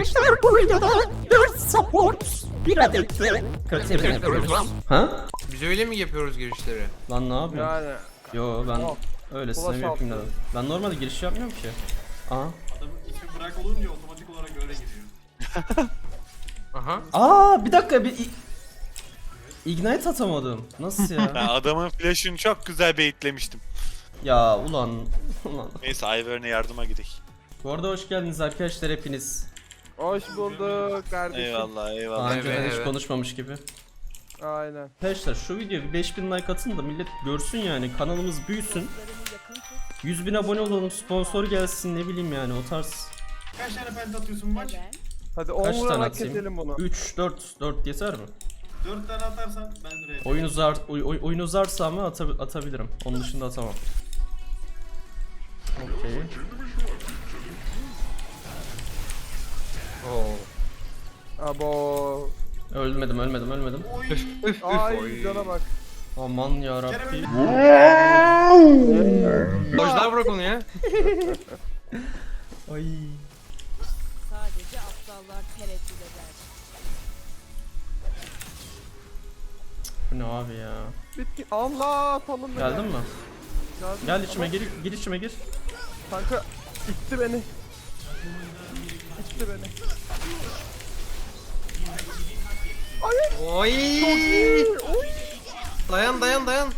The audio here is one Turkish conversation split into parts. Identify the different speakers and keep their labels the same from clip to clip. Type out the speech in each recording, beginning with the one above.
Speaker 1: Arkadaşlar bu videoda 4 support bir adet de kötü yapıyoruz. Ha?
Speaker 2: Biz öyle mi yapıyoruz girişleri?
Speaker 3: Lan ne yapıyorsun?
Speaker 4: Yani
Speaker 3: Yo ben
Speaker 4: Tamam.
Speaker 3: öylesine
Speaker 4: Ulaş
Speaker 3: bir yapayım
Speaker 4: altı.
Speaker 3: dedim. Ben normalde giriş yapmıyorum ki. Aha.
Speaker 5: Adamın ismi bırak olunca otomatik olarak öyle giriyor.
Speaker 2: Aha.
Speaker 3: Aa bir dakika Ignite atamadım. Nasıl ya?
Speaker 6: Ben adamın flash'ını çok güzel baitlemiştim.
Speaker 3: Ya ulan.
Speaker 6: Neyse Ivern'e yardıma gidelim.
Speaker 3: Bu arada hoş geldiniz arkadaşlar hepiniz.
Speaker 4: hoş bulduk kardeşim.
Speaker 6: Eyvallah
Speaker 3: Daha
Speaker 6: eyvallah.
Speaker 3: önceden hiç
Speaker 2: evet.
Speaker 3: konuşmamış gibi.
Speaker 4: Aynen.
Speaker 3: Arkadaşlar şu videoya bir 5000 like atın da millet görsün yani kanalımız büyüsün. 100.000 abone olalım, sponsor gelsin, ne bileyim yani o tarz.
Speaker 5: Kaç tane penta atıyorsun maç?
Speaker 4: Hadi 10
Speaker 3: Kaç tane
Speaker 4: vurarak
Speaker 3: atayım?
Speaker 4: keselim bunu.
Speaker 3: 3 4 yeter mi?
Speaker 5: 4 tane atarsan ben RP.
Speaker 3: Oyun uzarsa ama atabilirim. Onun dışında atamam. Okey.
Speaker 2: Oo.
Speaker 4: Abo.
Speaker 3: Ölmedim.
Speaker 4: Ay cana bak.
Speaker 3: Aman ya Rabbi.
Speaker 2: Dojlar bırak onu ya.
Speaker 3: Ay.
Speaker 7: Sadece aptallar tereddüt eder.
Speaker 3: Bu ne abi ya?
Speaker 4: Bitki. Allah talım beni.
Speaker 3: Geldin mi?
Speaker 4: Geldim.
Speaker 3: Gel içime
Speaker 4: Ama
Speaker 3: gir içime gir.
Speaker 4: Kanka itti beni. İtti beni.
Speaker 2: Oy. Dayan.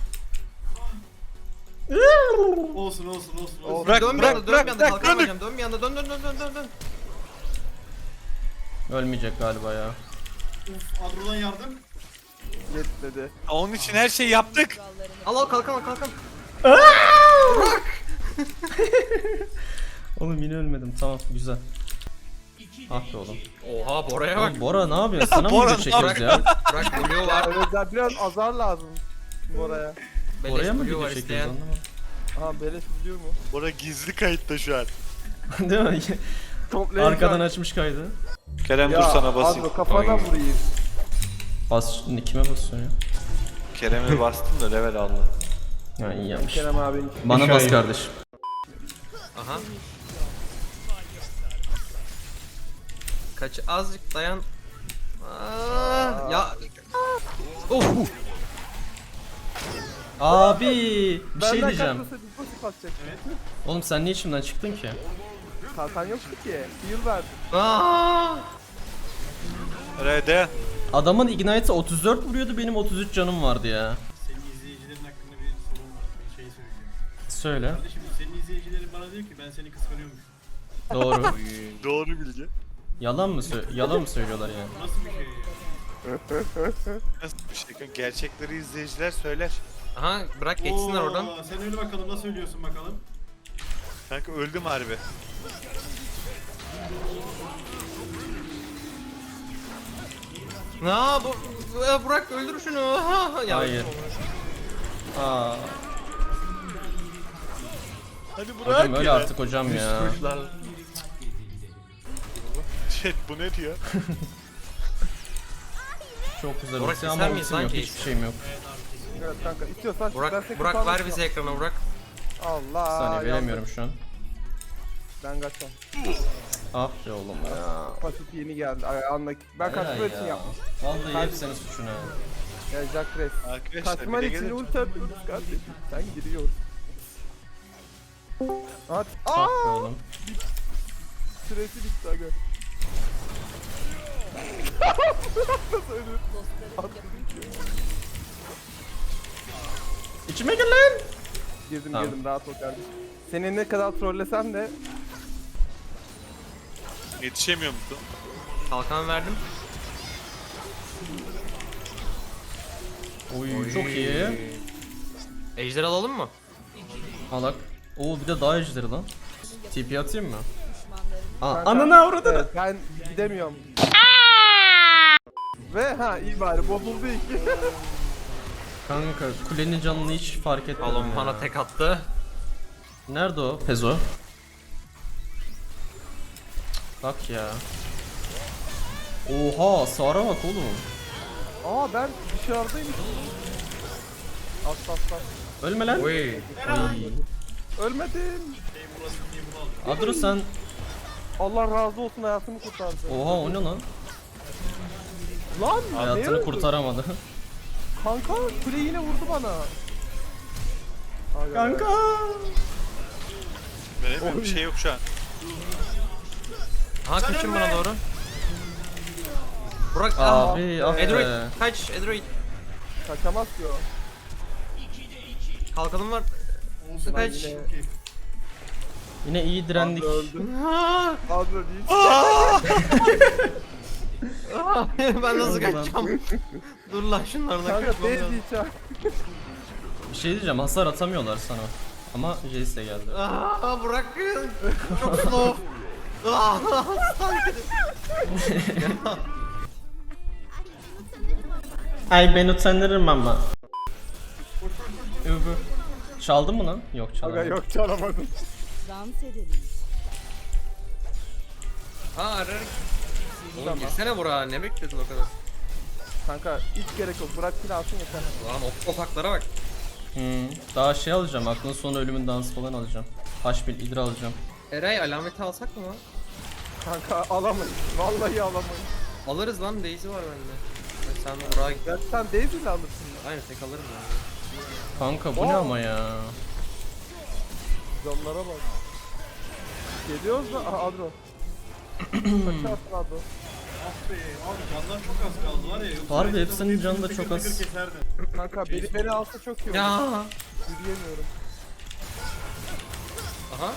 Speaker 5: Olsun.
Speaker 6: Bırak,
Speaker 2: Dön bir
Speaker 6: bırak,
Speaker 2: anda,
Speaker 6: bırak,
Speaker 2: dön bir anda,
Speaker 6: bırak,
Speaker 2: kalkamayacağım. Dön bir anda, dön.
Speaker 3: Ölmeyecek galiba ya.
Speaker 5: Uf, Adro'dan yardım.
Speaker 4: Yetmedi.
Speaker 6: Onun için her şeyi yaptık.
Speaker 2: Al kalkan.
Speaker 3: Oğlum yine ölmedim. Tamam güzel. Ah be oğlum.
Speaker 2: Oha Bora'ya bak.
Speaker 3: Oğlum Bora ne yapıyorsun? Sana mı
Speaker 6: Bora
Speaker 3: video çekiyoruz ya?
Speaker 2: Bırak Blue var.
Speaker 4: Evet ya biraz azar lazım. Oraya.
Speaker 2: Beleş
Speaker 3: Bora'ya mı
Speaker 2: Blue
Speaker 3: video
Speaker 2: var
Speaker 3: çekiyoruz
Speaker 2: isteyen.
Speaker 3: anlamadım.
Speaker 4: Aha beleş biliyor mu?
Speaker 6: Bora gizli kayıtta şu an.
Speaker 3: Değil mi?
Speaker 4: Toplayın.
Speaker 3: Arkadan açmış kaydı.
Speaker 6: Kerem
Speaker 4: Ya
Speaker 6: dur sana basayım.
Speaker 4: Adro kafana
Speaker 2: Oy.
Speaker 4: vurayım.
Speaker 3: Bas kime basıyorsun ya?
Speaker 6: Kerem'e bastım da level aldı.
Speaker 3: Ha iyi yapmış.
Speaker 4: Kerem abinin.
Speaker 3: Bana bas kardeşim.
Speaker 2: Aha. Kaç azıcık dayan. Ya. Of.
Speaker 3: Abi bir şey
Speaker 4: Benden
Speaker 3: diyeceğim.
Speaker 4: kaçmasa biz nasıl kaçacak?
Speaker 3: Oğlum sen niye içimden çıktın ki?
Speaker 4: Kalkan yoktu ki. Heal verdim.
Speaker 6: R'de.
Speaker 3: Adamın Ignite'ı 34 vuruyordu, benim 33 canım vardı ya.
Speaker 5: Senin izleyicilerin hakkında bir sorun var. Bir şey söyleyeceğim.
Speaker 3: Söyle.
Speaker 5: Kardeşim senin izleyicilerin bana diyor ki ben seni kıskanıyormuş.
Speaker 3: Doğru.
Speaker 6: Doğru bilgi.
Speaker 3: Yalan mı söylüyorlar yani?
Speaker 5: Bu nasıl bir şey ya?
Speaker 6: Nasıl bir şey? Gerçekleri izleyiciler söyler.
Speaker 2: Aha bırak geçsinler oradan.
Speaker 5: Sen öyle bakalım nasıl ölüyorsun bakalım.
Speaker 6: Kanka öldüm harbi.
Speaker 2: Bırak öldür şunu. Ya,
Speaker 3: Hayır. Aa,
Speaker 6: Hadi bırak
Speaker 3: hocam öyle
Speaker 6: ya.
Speaker 3: artık hocam ya.
Speaker 6: Chat bu ne diyor?
Speaker 3: Çok güzel
Speaker 2: Burak,
Speaker 3: ulti
Speaker 2: ister
Speaker 3: ama
Speaker 2: miyiz
Speaker 3: ultim yok,
Speaker 2: sanki?
Speaker 3: hiçbir şeyim yok.
Speaker 4: Evet kanka istiyorsan ben
Speaker 2: Burak,
Speaker 4: seni
Speaker 2: Burak
Speaker 4: kurtarmak
Speaker 2: ver bize ekranı Burak.
Speaker 4: Allah.
Speaker 3: Bir saniye
Speaker 4: yandım.
Speaker 3: veremiyorum şu an.
Speaker 4: Ben kaçam.
Speaker 3: Ah be oğlum ya.
Speaker 4: Pasif yeni geldi. Ayağındaki. Ben kaçma
Speaker 3: Helal
Speaker 4: için
Speaker 3: ya.
Speaker 4: yaptım.
Speaker 3: Vallahi hep senin suçun ha.
Speaker 4: Ya Jack Rest.
Speaker 6: Arkadaşlar
Speaker 4: Kaçman
Speaker 6: bir de
Speaker 4: için
Speaker 6: gelin.
Speaker 4: ulti atıyoruz kardeşim. Sen giriyorsun. At.
Speaker 3: Ah be
Speaker 4: Aaa!
Speaker 3: oğlum.
Speaker 4: Süresi bitti aga. Nasıl ölür?
Speaker 3: İçime gel lan.
Speaker 4: Girdim
Speaker 3: Tamam.
Speaker 4: girdim rahat ol kardeşim. Seni ne kadar trollesem de
Speaker 6: Yetişemiyor musun?
Speaker 2: Kalkan verdim.
Speaker 3: Oy çok iyi.
Speaker 2: Ejder alalım mı?
Speaker 3: Alak. Oo bir de daha ejderi lan. TP atayım mı? Aa,
Speaker 4: Kanka,
Speaker 3: ananı avradını.
Speaker 4: evet, ben gidemiyorum. Ve iyi bari bozuldu iki.
Speaker 3: Kanka kulenin canını hiç fark etmedim
Speaker 2: Alon
Speaker 3: ya.
Speaker 2: bana tek attı.
Speaker 3: Nerede o? Pezo. Bak ya. Oha Sara bak oğlum.
Speaker 4: Aa ben dışarıdayım. At.
Speaker 3: Ölme lan.
Speaker 2: Oy.
Speaker 3: Ay.
Speaker 4: Ölmedim.
Speaker 3: Adro sen
Speaker 4: Allah razı olsun hayatımı kurtardı.
Speaker 3: Oha o ne lan?
Speaker 4: Lan ne
Speaker 3: Hayatını
Speaker 4: öldü?
Speaker 3: kurtaramadı.
Speaker 4: Kanka kule yine vurdu bana. Aga.
Speaker 3: Kanka.
Speaker 6: Benim bir şey yok şu an.
Speaker 2: Aha kaçın bana doğru. Burak
Speaker 3: Abi ah be.
Speaker 2: Edroid kaç Edroid.
Speaker 4: Kaçamaz ki o.
Speaker 2: Kalkanım var.
Speaker 5: Olsun
Speaker 2: Kaç.
Speaker 5: yine.
Speaker 3: Yine iyi direndik.
Speaker 4: Öldü. Adro değil.
Speaker 2: Ben nasıl
Speaker 3: Ulan.
Speaker 2: kaçacağım? Dur lan şunlardan
Speaker 4: Kanka
Speaker 2: kaçmam
Speaker 4: değil
Speaker 2: lazım.
Speaker 4: diyeceğim.
Speaker 3: Bir şey diyeceğim, hasar atamıyorlar sana. Ama Jace de geldi.
Speaker 2: Aa Burak çok slow. Aa,
Speaker 3: Ay ben utanırım ama. Übü. Çaldın mı lan? Yok
Speaker 4: Aga
Speaker 3: çalamadım.
Speaker 4: yok çalamadım.
Speaker 7: Dans edelim.
Speaker 2: Aa ararak. Oğlum girsene Burak'a ne bekledin o kadar?
Speaker 4: Kanka hiç gerek yok. Bırak kill alsın yeter.
Speaker 2: Lan o taklara bak.
Speaker 3: Daha şey alacağım, aklın sonu ölümün dansı falan alacağım. H1 idra alacağım.
Speaker 2: Eray alameti alsak mı lan?
Speaker 4: Kanka alamayız. Vallahi alamayız.
Speaker 2: Alırız lan Daisy var bende. Sen Burak'a git.
Speaker 4: Ben sen Daisy'yle alırsın.
Speaker 2: Aynen tek alırım ya.
Speaker 3: Kanka bu ne ama ya?
Speaker 4: Canlara bak. Geliyoruz da. Aha Adro. Kaçarsın Adro.
Speaker 5: Ah be abi canlar çok az kaldı var ya. Yoksa
Speaker 3: Harbi
Speaker 5: Ejder'in
Speaker 3: hepsinin canı da
Speaker 5: tıkır
Speaker 3: çok az.
Speaker 5: tıkır keserdi.
Speaker 4: Kanka biri beni alsa çok iyi olur.
Speaker 2: Ya.
Speaker 4: Yürüyemiyorum.
Speaker 2: Aha.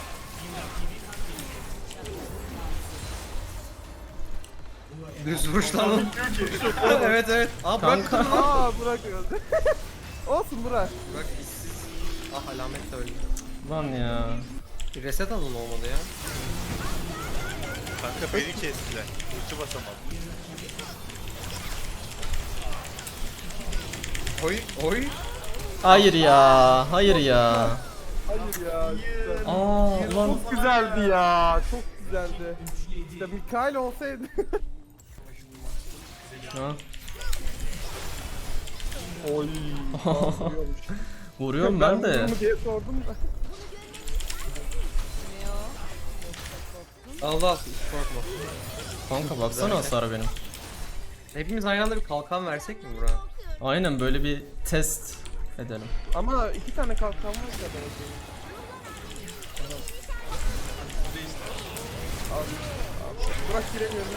Speaker 2: Düz vuruş lan. Evet evet. Aa Burak
Speaker 3: Kanka.
Speaker 4: Aa Burak öldü. Olsun Burak.
Speaker 2: Burak işsiz. Ah alamet de öldü.
Speaker 3: Lan ya.
Speaker 2: Bir reset alın olmadı ya.
Speaker 6: Kanka beni kestiler. Ulti basamadım.
Speaker 2: Oy oy.
Speaker 3: Hayır ya, hayır ya.
Speaker 4: Hayır ya. Güzel.
Speaker 3: Aa ulan.
Speaker 4: Çok güzeldi ya. Çok güzeldi. İşte Mikael olsaydı.
Speaker 3: Ha.
Speaker 4: Oy.
Speaker 3: Vuruyorum ben de.
Speaker 4: vurdum mu diye sordum da.
Speaker 2: Allah hiç korkma.
Speaker 3: Kanka baksana hasar benim.
Speaker 2: Hepimiz aynı anda bir kalkan versek mi Burak'a?
Speaker 3: Aynen böyle bir test edelim.
Speaker 4: Ama 2 tane kalkan var ya belki. Burak giremiyorum.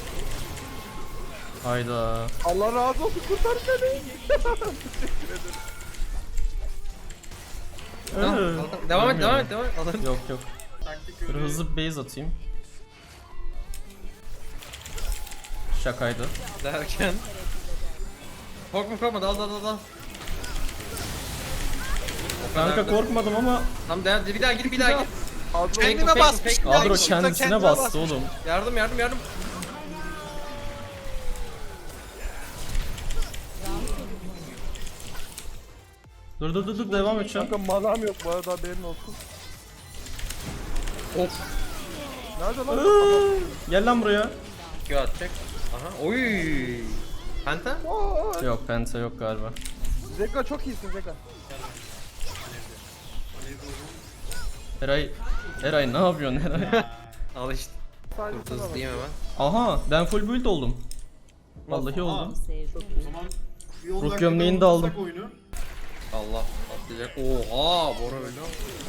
Speaker 3: Hayda.
Speaker 4: Allah razı olsun kurtar beni.
Speaker 2: Tamam,
Speaker 3: Ee,
Speaker 2: kalkan. Devam et devam
Speaker 3: bilmiyorum.
Speaker 2: et devam et. Alırım.
Speaker 3: Yok yok. Dur hızlı bir base atayım. Şakaydı.
Speaker 2: Derken. Korkma dal. O kadar
Speaker 3: Kanka
Speaker 2: da-
Speaker 3: korkmadım ama
Speaker 2: Tamam devam bir daha gir.
Speaker 4: Adro
Speaker 2: Kendime basmıştım.
Speaker 3: Adro kendisine bastı oğlum.
Speaker 2: Yardım.
Speaker 3: Dur devam edeceğim.
Speaker 4: kanka manam yok bu arada haberin olsun.
Speaker 2: Of.
Speaker 4: Nerede lan?
Speaker 3: Gel lan buraya.
Speaker 2: Q atacak. Aha. Oy. Penta?
Speaker 4: Aa,
Speaker 3: Yok penta yok galiba.
Speaker 4: Zeka çok iyisin Zeka.
Speaker 3: Eray ne yapıyorsun Eray?
Speaker 2: Al işte.
Speaker 4: Sadece sana bak.
Speaker 2: Hızlıyım hemen.
Speaker 3: Aha ben full build oldum. Vallahi oldum.
Speaker 7: Sevdim.
Speaker 5: O zaman bir 10
Speaker 3: Ruh
Speaker 5: dakikada
Speaker 3: gömleğini de aldım.
Speaker 5: unutsak oyunu.
Speaker 2: Allah atlayacak. Oha Bora öyle.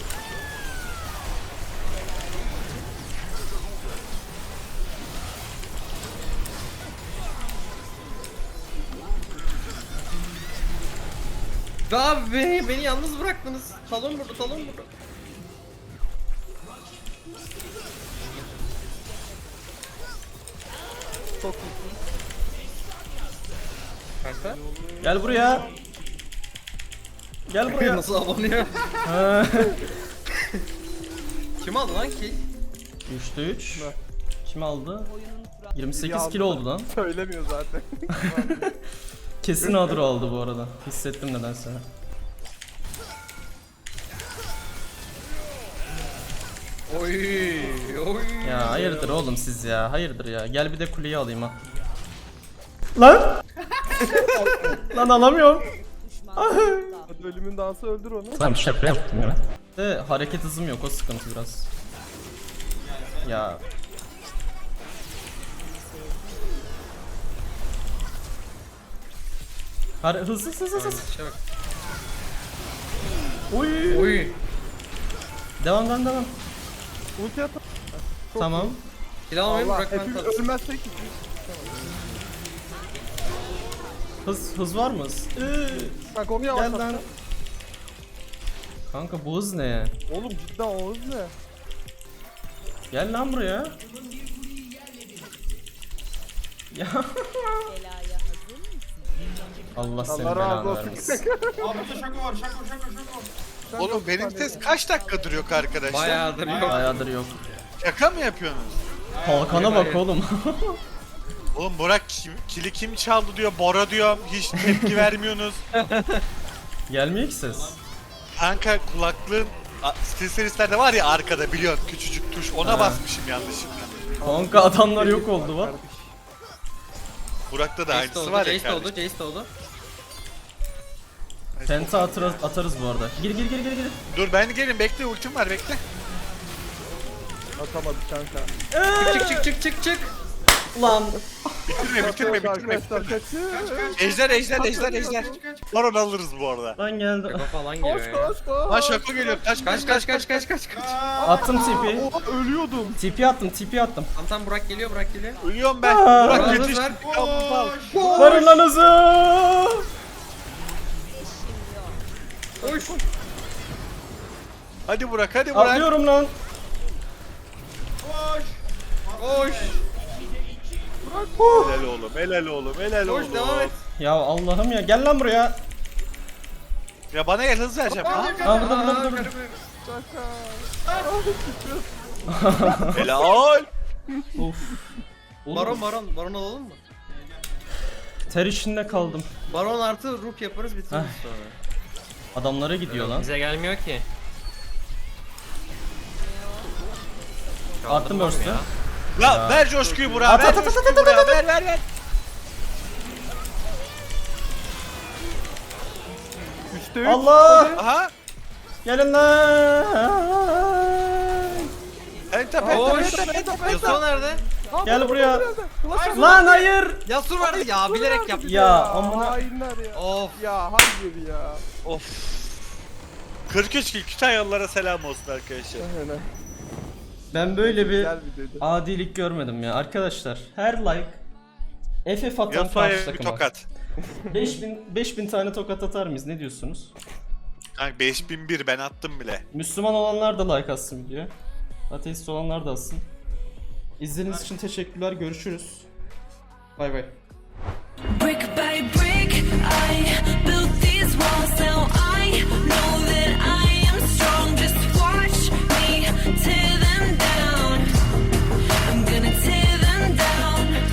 Speaker 2: Abi beni yalnız bıraktınız. Talon burada.
Speaker 4: Çok iyisin.
Speaker 2: Kanka.
Speaker 3: Gel buraya. Gel buraya.
Speaker 2: Nasıl abanıyor?
Speaker 3: Ha.
Speaker 2: Kim aldı lan ki?
Speaker 3: 3'te 3. Kim aldı?
Speaker 7: Oyunun kuralı.
Speaker 3: 28 kilo oldu lan.
Speaker 4: Söylemiyor zaten.
Speaker 3: Kesin Adro aldı bu arada. Hissettim nedense.
Speaker 2: Oy.
Speaker 3: Ya hayırdır oğlum siz ya. Hayırdır ya. Gel bir de kuleyi alayım ha. Lan! Lan alamıyorum.
Speaker 7: Düşmanlıkta.
Speaker 4: Hadi ölümün dansı öldür onu.
Speaker 3: Tamam şaka yaptım ya. De hareket hızım yok o sıkıntı biraz. Ya Hızlı hızlı hızlı.
Speaker 2: İşe bak.
Speaker 3: Oy.
Speaker 2: Oy.
Speaker 3: Devam.
Speaker 4: Ulti at.
Speaker 3: Tamam.
Speaker 2: Kill almayayım
Speaker 4: Allah
Speaker 2: bırak ben
Speaker 4: hepimiz
Speaker 2: tatsın.
Speaker 4: ölmezsek.
Speaker 3: Hız var mı hız?
Speaker 4: Bak onu
Speaker 3: Gel
Speaker 4: yavaşlat.
Speaker 3: lan. Kanka bu hız ne ya?
Speaker 4: Oğlum cidden o hız ne?
Speaker 3: Gel lan buraya. Ya
Speaker 7: Belaya hazır mısın?
Speaker 3: Allah seni
Speaker 4: Allah razı
Speaker 3: belanı
Speaker 4: olsun.
Speaker 3: vermesin.
Speaker 5: Abi burada şako var, şako.
Speaker 6: Oğlum benim ses kaç dakika duruyor arkadaşlar?
Speaker 2: Bayağıdır yok.
Speaker 3: Bayağıdır yok.
Speaker 6: Şaka mı yapıyorsunuz?
Speaker 3: Kalkana bak oğlum.
Speaker 6: Oğlum Burak kili kim çaldı diyor, Bora diyor, hiç tepki vermiyorsunuz.
Speaker 3: Gelmiyor ki ses.
Speaker 6: Kanka kulaklığın SteelSeries'lerde var ya arkada biliyorsun küçücük tuş ona
Speaker 3: Ha.
Speaker 6: basmışım yanlışlıkla.
Speaker 3: Kanka adamlar yok oldu bak.
Speaker 6: Burak'ta da
Speaker 2: Jace de
Speaker 6: aynısı
Speaker 2: oldu,
Speaker 6: var ya
Speaker 2: Jace de oldu,
Speaker 6: kardeşim.
Speaker 2: Jace de oldu.
Speaker 3: Penta atarız bu arada. Gir.
Speaker 6: Dur ben gelin bekle ultim var bekle.
Speaker 4: Atamadık kanka.
Speaker 2: Çık.
Speaker 3: Lan.
Speaker 6: Bitirme.
Speaker 4: Arkadaşlar kaçın.
Speaker 6: Ejder. Baron alırız bu arada.
Speaker 3: Lan geldi.
Speaker 2: Şaka falan
Speaker 4: Koş
Speaker 2: geliyor ya.
Speaker 4: koş
Speaker 6: Lan
Speaker 4: koş.
Speaker 6: şaka geliyor kaç.
Speaker 3: Attım TP.
Speaker 4: Oha ölüyordum.
Speaker 3: TP attım.
Speaker 2: Tamam Burak geliyor.
Speaker 6: Ölüyorum ben.
Speaker 3: Aa.
Speaker 6: Burak
Speaker 2: Hız
Speaker 6: yetiş.
Speaker 2: ver.
Speaker 3: Varın lan hızı.
Speaker 2: Koş.
Speaker 6: Hadi Burak.
Speaker 3: Atlıyorum lan.
Speaker 2: Koş.
Speaker 6: Helal oğlum.
Speaker 2: Koş devam et.
Speaker 3: Ya Allah'ım ya gel lan buraya.
Speaker 6: Ya bana gel hız vereceğim. Ha?
Speaker 3: Aa burada.
Speaker 6: Helal.
Speaker 3: Of. Oğlum,
Speaker 2: Baron alalım mı?
Speaker 3: ter içinde kaldım.
Speaker 2: Baron artı rook yaparız bitiririz sonra.
Speaker 3: Adamlara gidiyor lan.
Speaker 2: Bize gelmiyor ki.
Speaker 3: Attım burst'ü.
Speaker 6: Ya ver coşkuyu Burak'a.
Speaker 3: At,
Speaker 6: Ver
Speaker 3: at, at,
Speaker 6: coşkuyu Burak'a. Ver.
Speaker 4: Üçte üç.
Speaker 3: Allah.
Speaker 6: Aha.
Speaker 3: Gelin lan.
Speaker 6: Penta.
Speaker 2: Yasuo nerede?
Speaker 3: Gel buraya. Lan hayır.
Speaker 2: Yasuo vardı ya bilerek yaptım.
Speaker 3: Ya amına.
Speaker 4: Hainler ya.
Speaker 2: Of.
Speaker 4: Ya hayır ya.
Speaker 6: Of. 43 kill Kütahyalılara selam olsun arkadaşlar.
Speaker 4: Aynen.
Speaker 3: Ben böyle bir
Speaker 4: Güzel videoydu.
Speaker 3: adilik görmedim ya. Arkadaşlar her like FF atan karşı
Speaker 6: Yasuo'ya bir
Speaker 3: takıma.
Speaker 6: tokat.
Speaker 3: 5000 tane tokat atar mıyız? Ne diyorsunuz?
Speaker 6: Kanka 5001 ben attım bile.
Speaker 3: Müslüman olanlar da like atsın videoya. Ateist olanlar da atsın. İzlediğiniz için teşekkürler. Görüşürüz. Bay bay.